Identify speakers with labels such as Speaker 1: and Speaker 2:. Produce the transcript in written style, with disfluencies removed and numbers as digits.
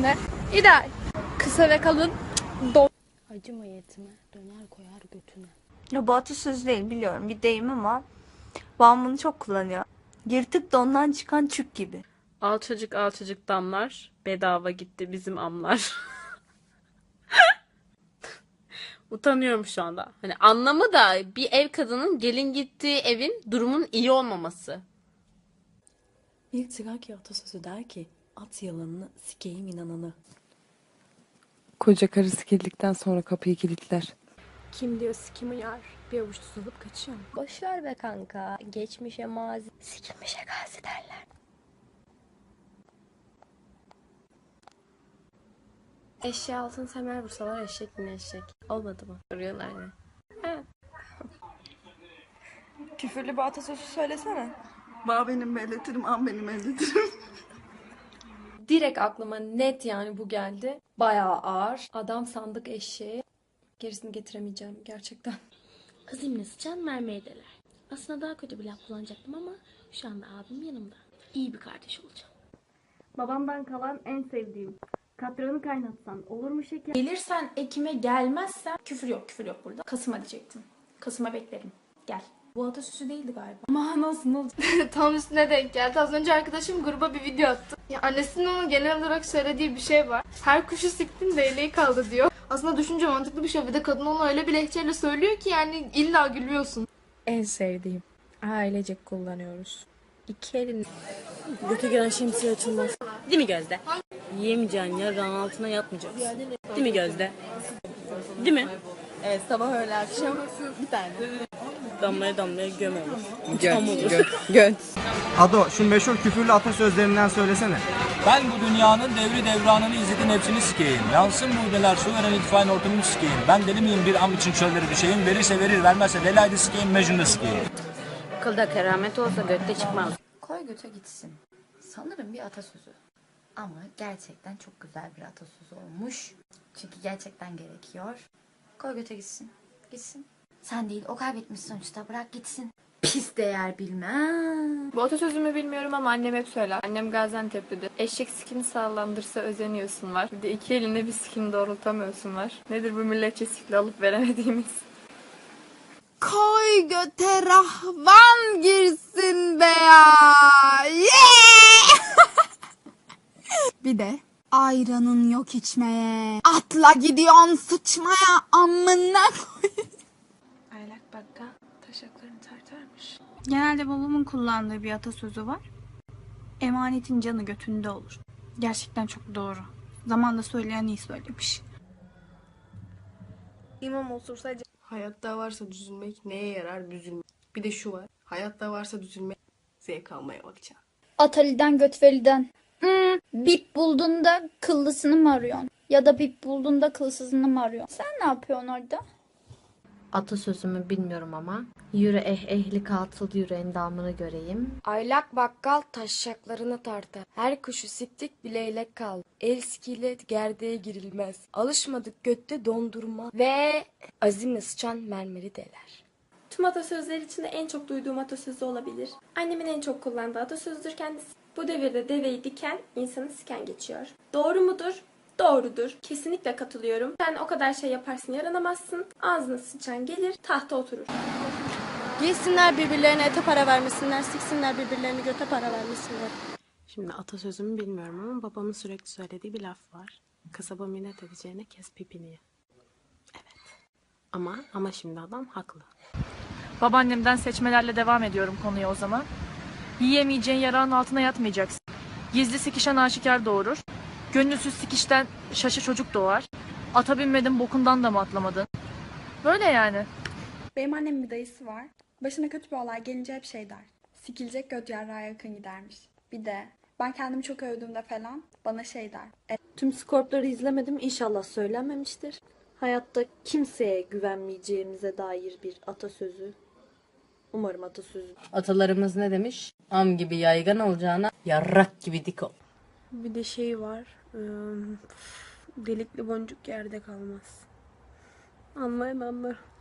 Speaker 1: içinde ideal. Kısa ve kalın
Speaker 2: Acıma yetime, döner koyar götüne.
Speaker 3: Ya bu atasözü değil biliyorum bir deyim ama babam bunu çok kullanıyor. Yırtık dondan çıkan çük gibi.
Speaker 4: Alçacık alçacık damlar, bedava gitti bizim amlar. Utanıyorum şu anda. Hani anlamı da bir ev kadının gelin gittiği evin durumun iyi olmaması.
Speaker 2: Bir Trakya atasözü der ki, at yalanını, sikeyim inananı.
Speaker 5: Koca karı sikildikten sonra kapıyı kilitler.
Speaker 1: kim diyor sikim uyar. Bir avuç tuz alıp kaçıyor.
Speaker 6: Boşver be kanka. Geçmişe mazi, sikilmişe gazi derler.
Speaker 4: Eşeğe altın semer vursalar eşek yine eşek. Olmadı mı? Soruyorlar ya.
Speaker 3: Küfürlü bir atasözü söylesene.
Speaker 7: Bağ benim elletirim, an benim elletirim.
Speaker 8: Direkt aklıma net yani bu geldi. Bayağı ağır. Adam sandık eşeği. Gerisini getiremeyeceğim gerçekten.
Speaker 2: Azimle sıçan mermeydeler. Aslında daha kötü bir laf kullanacaktım ama şu anda abim yanımda. İyi bir kardeş olacağım.
Speaker 9: Babamdan kalan en sevdiğim. Katranı kaynatsan olur mu şeker?
Speaker 10: Gelirsen Ekim'e gelmezsen küfür yok burada. Kasım'a diyecektim. Kasım'a beklerim. Gel. Bu atasözü değildi galiba. Ama nasıl?
Speaker 1: Tam üstüne denk geldi. Az önce arkadaşım gruba bir video attı. Ya annesinin ona genel olarak söylediği bir şey var. Her kuşu siktin değneği kaldı diyor. Aslında düşünce mantıklı bir şey. Bir de kadın onu öyle bir lehçeyle söylüyor ki yani illa gülüyorsun.
Speaker 6: En sevdiğim. Ailecek kullanıyoruz. İki elin.
Speaker 2: Göte giren şemsiye açılmaz. Değil mi Gözde? Yiyemeyeceğin yarrağın altına yatmayacaksın. Değil mi Gözde? Değil mi?
Speaker 7: Evet, sabah öğle akşam bir tane.
Speaker 2: Damlaya damlaya göm olur.
Speaker 5: Göt.
Speaker 11: Ado, şu meşhur küfürlü atasözlerinden söylesene.
Speaker 12: Ben bu dünyanın devri devranını izletin hepsini sikeyim. Yansın buğdeler su veren itfaiye ortamını sikeyim. Ben deli miyim bir am için çölleri düşeyim. Verirse verir vermezse velaydı sikeyim mecnun'da sikeyim.
Speaker 6: Kılda keramet olsa götte çıkmaz.
Speaker 3: Koy göte gitsin. Sanırım bir atasözü. Ama gerçekten çok güzel bir atasözü olmuş. Çünkü gerçekten gerekiyor. Koy göte gitsin. Gitsin. Sen değil o kaybetmiş sonuçta bırak gitsin. Pis değer bilmem.
Speaker 1: Bu atasözümü bilmiyorum ama annem hep söyler. Annem Gaziantep'lidir. Eşek sikini sağlandırsa özeniyorsun var. Bir de iki eline bir sikini doğrultamıyorsun var. Nedir bu milletçe sikli alıp veremediğimiz?
Speaker 10: Koy göte rahvan girsin be ya. Bir de ayranın yok içmeye. Atla gidiyorsun sıçmaya amına koy.
Speaker 1: Aylak bakkal taşaklarını tartarmış.
Speaker 10: Genelde babamın kullandığı bir atasözü var. Emanetin canı götünde olur. Gerçekten çok doğru. Zamanla söyleyen iyi söylemiş.
Speaker 1: İmam osursa
Speaker 7: Hayatta varsa düzülmek neye yarar büzülmek. Bir de şu var. Hayatta varsa düzülmek zevk almaya bakacaksın.
Speaker 9: Atali'den Götveliden. Bip bulduğunda kıllısını mı arıyorsun? Ya da bip bulduğunda kılsızını mı arıyorsun? Sen ne yapıyorsun orada?
Speaker 6: Atasözümü bilmiyorum ama. Yürü ehli katıl yürü endamını göreyim.
Speaker 8: Aylak bakkal taşşaklarını tartar. Her kuşu siktik bileylek kal. El sikiyle gerdeğe girilmez. Alışmadık götte dondurma. Ve azimle sıçan mermeri deler.
Speaker 9: Tüm atasözleri içinde en çok duyduğum atasözü olabilir. Annemin en çok kullandığı atasözüdür kendisi. Bu devirde deveyi diken, insanı siken geçiyor. Doğru mudur? Doğrudur. Kesinlikle katılıyorum. Sen o kadar şey yaparsın yaranamazsın. Ağzına sıçan gelir, tahta oturur.
Speaker 2: Giysinler birbirlerine ete para vermesinler, siksinler birbirlerini göte para vermesinler.
Speaker 4: Şimdi atasözümü bilmiyorum ama babamın sürekli söylediği bir laf var. Kasaba minnet edeceğine kes pipini ye. Evet. Ama şimdi adam haklı.
Speaker 9: Babaannemden seçmelerle devam ediyorum konuya o zaman. Yiyemeyeceğin yarağın altına yatmayacaksın. Gizli sikişen aşikar doğurur. Gönülsüz sikişten şaşı çocuk doğar. Ata binmedin bokundan da mı atlamadın? Böyle yani. Benim annemin bir dayısı var. Başına kötü bir olay gelince hep şey der. Sikilecek göt yarrağa yakın gidermiş. Bir de ben kendimi çok övdüğümde falan bana şey der.
Speaker 2: Tüm skorpları izlemedim, inşallah söylenmemiştir. Hayatta kimseye güvenmeyeceğimize dair bir atasözü. Umarım atasözü.
Speaker 6: Atalarımız ne demiş? Am gibi yaygan olacağına yarrak gibi dik ol.
Speaker 4: Bir de şey var. Delikli boncuk yerde kalmaz. Anlayan anlar.